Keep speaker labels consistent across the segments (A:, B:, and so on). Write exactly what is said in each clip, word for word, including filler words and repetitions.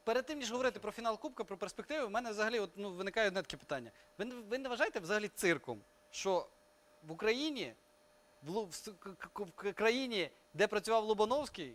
A: перед тим, ніж говорити про фінал Кубка, про перспективи, в мене взагалі от, ну, виникає одне таке питання. Ви, не- ви не вважаєте взагалі цирком, що в Україні, в, Лу- в с- к- к- в країні, де працював Лобановський,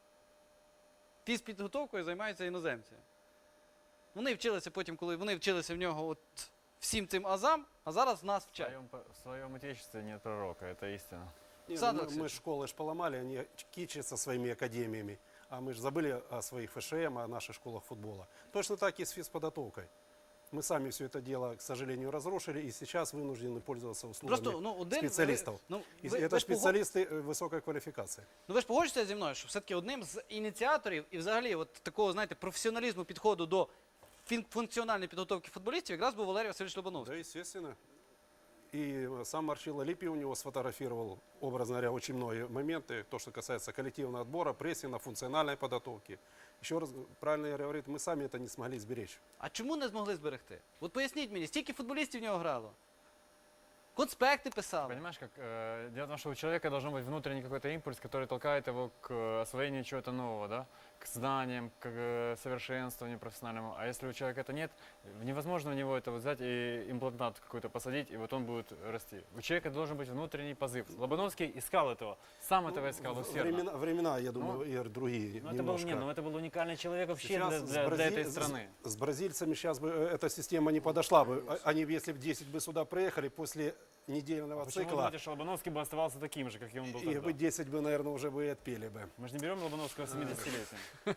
A: фізпідготовкою займаються іноземці? Вони вчилися потім, коли вони вчилися в нього от всім цим азам, а зараз нас
B: В
A: вчать.
B: своем, по- в своем отечестве нет пророка, это истина.
C: Не, ну,
A: Сандер
C: мы, мы
A: Алексеевич.
C: школы ж поломали, они кичатся своими академиями, а мы же забыли о своих ФШМ, о наших школах футбола. Точно так и с физподготовкой. Мы сами все это дело, к сожалению, разрушили, и сейчас вынуждены пользоваться услугами
A: Просто, ну, один,
C: специалистов.
A: ви- ну,
C: И
A: ви-
C: это
A: ви ж пого-
C: специалисты э, высокой квалификации.
A: Ну ви ж погоджуєтеся зі мною, що все-таки одним з ініціаторів і взагалі от такого, знаєте, професіоналізму підходу до фін- функціональної підготовки футболістів якраз був Валерій Васильович Лобановський.
C: Да, естественно. И э, сам Марчило Липи у него сфотографировал, образно говоря, очень многие моменты, то, что касается коллективного отбора, прессинга, функциональной подготовки. Еще раз, правильно я говорю, мы сами это не смогли сберечь.
A: А чому не змогли зберегти? От поясніть мені, стільки футболістів в нього грало. Конспекти писали.
B: Понимаешь, как э, дело в том, что у человека должен быть внутренний какой-то импульс, который толкает его к э, освоению чего-то нового, да, к знаниям, к э, совершенствованию профессиональному. А если у человека это нет, невозможно у него это вот взять и имплантат какой-то посадить, и вот он будет расти. У человека должен быть внутренний позыв. Лобановский искал этого, сам этого искал
C: Ну,
B: усердно.
C: времена, времена, я думаю,
B: Ну,
C: Игорь, другие
B: Но это был,
C: немножко.
B: не, ну это был уникальный человек вообще
C: Сейчас
B: для,
C: с
B: для- для
C: Бразиль-
B: этой
C: с-
B: страны.
C: С, бразильцами сейчас бы э, эта система не подошла бы. А- Они, если бы десять бы сюда приехали после недельного
B: Почему вы
C: цикла,
B: думаете, что Лобановский бы оставался таким же, как и он был
C: их
B: тогда?
C: бы десять бы, наверное, уже бы и отпели бы.
B: Мы же не берем Лобановского семидесятилетия.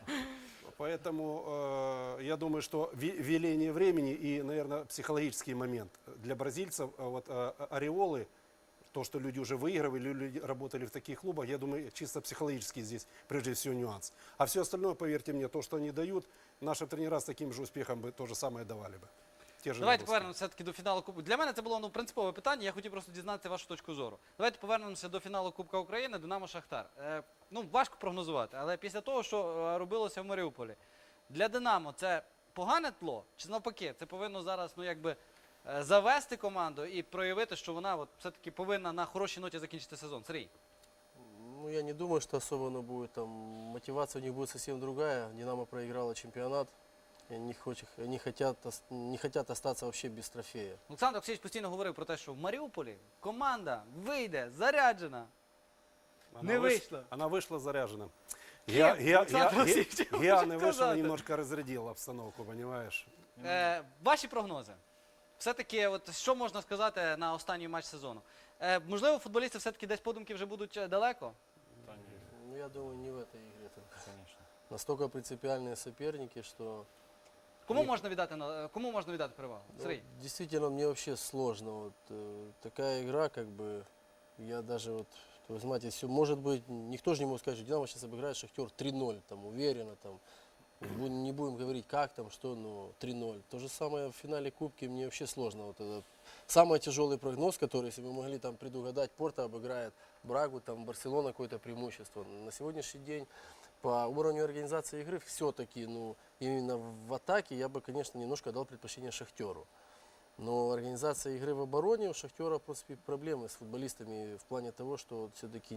C: Поэтому э, я думаю, что ви- веление времени и, наверное, психологический момент для бразильцев, э, вот э, ореолы, то, что люди уже выигрывали, люди работали в таких клубах, я думаю, чисто психологический здесь прежде всего нюанс. А все остальное, поверьте мне, то, что они дают, наши тренера с таким же успехом бы то же самое давали бы. Те же
A: Давайте
C: нагрузки.
A: повернемося все-таки до фіналу Кубку. Для мене це було ну, принципове питання, я хотів просто дізнатися вашу точку зору. Давайте повернемося до фіналу Кубка України, Динамо Шахтар. Е, ну, важко прогнозувати, але після того, що е, робилося в Маріуполі, для Динамо це погане тло, чи навпаки, це повинно зараз ну, якби, е, завести команду і проявити, що вона от, все-таки повинна на хорошій ноті закінчити сезон. Сергій.
D: Ну, я не думаю, что особо оно будет там. Мотивация у них будет совсем другая. Динамо проиграла чемпионат. И они, хоч- они хотят, ос- не хотят остаться вообще без трофея.
A: Олександр Олексійович постійно говорив про те, що в Маріуполі команда вийде заряджена.
C: Она
A: Не
C: выш-
A: вышло.
C: Она вышла заряжена.
A: Кем?
C: Я, я,
A: Александр
C: я,
A: Васильевич, я
C: я,
A: хочу
C: не вышел
A: сказать.
C: и немножко разрядил обстановку, понимаешь?
A: Е, ваші прогнози. Все-таки, от, що можна сказати на останній матч сезону? Е, можливо, футболісти все-таки десь подумки вже будуть е, далеко?
B: Да, не,
D: Ну, я думаю, не в этой игре. только.
B: конечно.
D: Настолько принципиальные соперники, что
A: Кому
D: Ні.
A: можна віддати, на- кому можна віддати перевагу?
D: ну,
A: Сергій.
D: действительно мне вообще сложно. Вот, э, такая игра, как бы, я даже вот, вы знаете, все может быть, никто же не может сказать, что Динамо сейчас обыграет Шахтер три ноль, там, уверенно, там, Бу- не будем говорить, как там, что, ну, три ноль. То же самое в финале Кубки мне вообще сложно. Вот это самый тяжелый прогноз, который, если мы могли там предугадать, Порто обыграет Брагу, там, Барселона какое-то преимущество. На сегодняшний день по уровню организации игры все-таки, ну, именно в атаке я бы, конечно, немножко дал предпочтение Шахтеру. Но организация игры в обороне у Шахтера, в принципе, проблемы с футболистами в плане того, что все-таки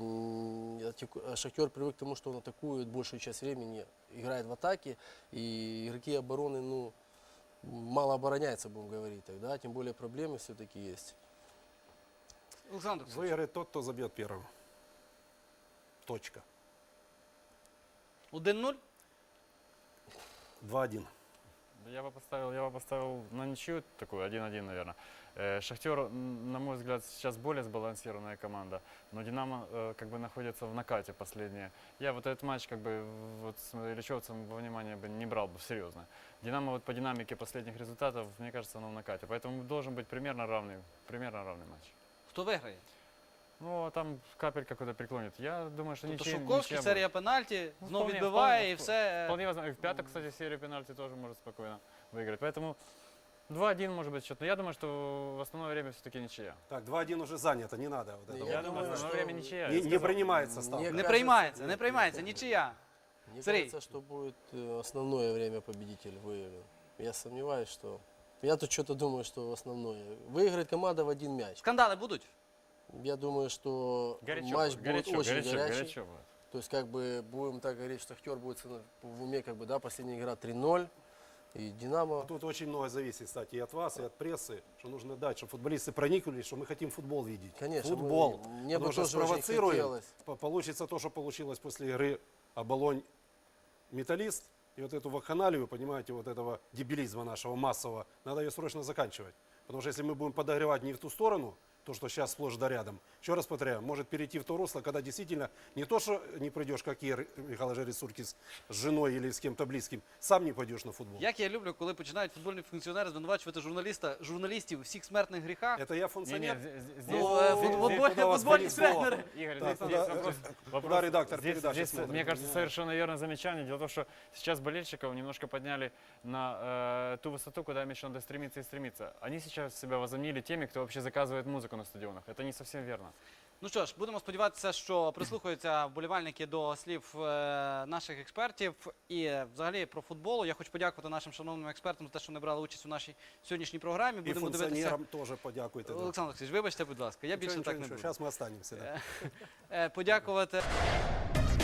D: Шахтер привык к тому, что он атакует большую часть времени, играет в атаке, и игроки обороны, ну, мало обороняются, будем говорить тогда, тем более проблемы все-таки есть.
A: Олександр Олексійович.
C: Выиграет тот, кто забьет первым. Точка.
A: один нуль?
C: два один.
B: Я бы поставил, я бы поставил на ничью такую, один-один, наверное. Э, Шахтер, м, на мой взгляд, сейчас более сбалансированная команда, но Динамо э, как бы находится в накате последние. Я вот этот матч как бы вот с Ильичевцем во внимание бы не брал бы серьезно. Динамо вот по динамике последних результатов, мне кажется, оно в накате, поэтому должен быть примерно равный, примерно равный матч.
A: Хто виграє?
B: Ну, там капель какой-то преклонит. Я думаю, что
A: Тобто
B: ничья,
A: Шовковський,
B: ничья
A: серія пенальті,
B: Ну,
A: знову
B: вполне,
A: відбиває
B: вполне,
A: і все. е,
B: Вполне возможно. И в пятую, кстати, серию пенальти тоже может спокойно выиграть. Поэтому два-один может быть счет. Но я думаю, что в основное время все-таки ничья.
C: Так, два один уже занято, не надо. Вот это
D: Я
B: Я,
C: вот.
B: думаю,
D: думаю,
B: в основное
D: что
B: время ничья.
C: Не,
B: я
C: не
B: сказал.
C: принимается ставка.
D: Мне
A: Не
D: кажется,
A: приймається,
D: нет,
A: не
D: нет,
A: приймається,
D: нет.
A: нічия.
D: Мне
A: Сергей.
D: кажется, что будет э, основное время победитель выиграет. Я сомневаюсь, что... Я тут что-то думаю, что основное. Выиграет команда в один мяч.
A: Скандали будуть?
D: Я думаю, что
B: Горячо,
D: матч
B: будет, горячо,
D: будет очень
B: горячо,
D: горячий.
B: горячо будет.
D: То есть, как бы, будем так говорить, что Шахтер будет с- в уме, как бы, да, последняя игра три ноль. И Динамо.
C: Тут очень много зависит, кстати, и от вас, и от прессы, что нужно дать, чтобы футболисты прониклись, что мы хотим футбол видеть.
D: Конечно,
C: Футбол.
D: мы- мне бы
C: Потому что
D: тоже очень
C: спровоцируем,
D: хотелось.
C: по- получится то, что получилось после игры Оболонь Металлист. И вот эту вакханалию, понимаете, вот этого дебилизма нашего массового, надо ее срочно заканчивать. Потому что если мы будем подогревать не в ту сторону, то, что сейчас сплошь да рядом, еще раз повторяю, может перейти в то русло, когда действительно не то, что не придешь, как Ир Михаил Жересуркис с женой или с кем-то близким, сам не пойдешь на футбол.
A: Як я люблю, коли починають футбольні функціонери звинувачувати журналіста, журналістів у всіх смертних гріхах.
C: Это я функционер.
B: Не-не, з- з- здесь-
A: Ну, э,
B: здесь-
A: футбол-
B: здесь-
A: футбольные-
C: куда вас
A: футбольные
C: понесло?
A: тренеры.
B: Игорь,
C: Так,
B: здесь,
C: куда-
B: здесь вопрос, вопрос-
C: куда редактор
B: здесь-
C: передачи
B: здесь,
C: смотрит?
B: мне кажется, совершенно верное замечание. Дело в том, что сейчас болельщиков немножко подняли на э, ту высоту, куда им еще надо стремиться и стремиться. Они сейчас себя возомнили теми, кто вообще заказывает музыку на стадионах. Это не совсем верно.
A: Ну що ж, будемо сподіватися, що прислухаються вболівальники до слів е, наших експертів. І е, взагалі про футбол. Я хочу подякувати нашим шановним експертам за те, що вони брали участь у нашій сьогоднішній програмі.
C: И
A: Будемо дивитися.
C: функционерам тоже подякуйте. да.
A: Олександр Олексійович, вибачте, будь ласка, я
C: Ничего,
A: більше
C: ничего,
A: так не
C: ничего.
A: буду.
C: Сейчас мы останемся. Да.
A: Е, Подякувати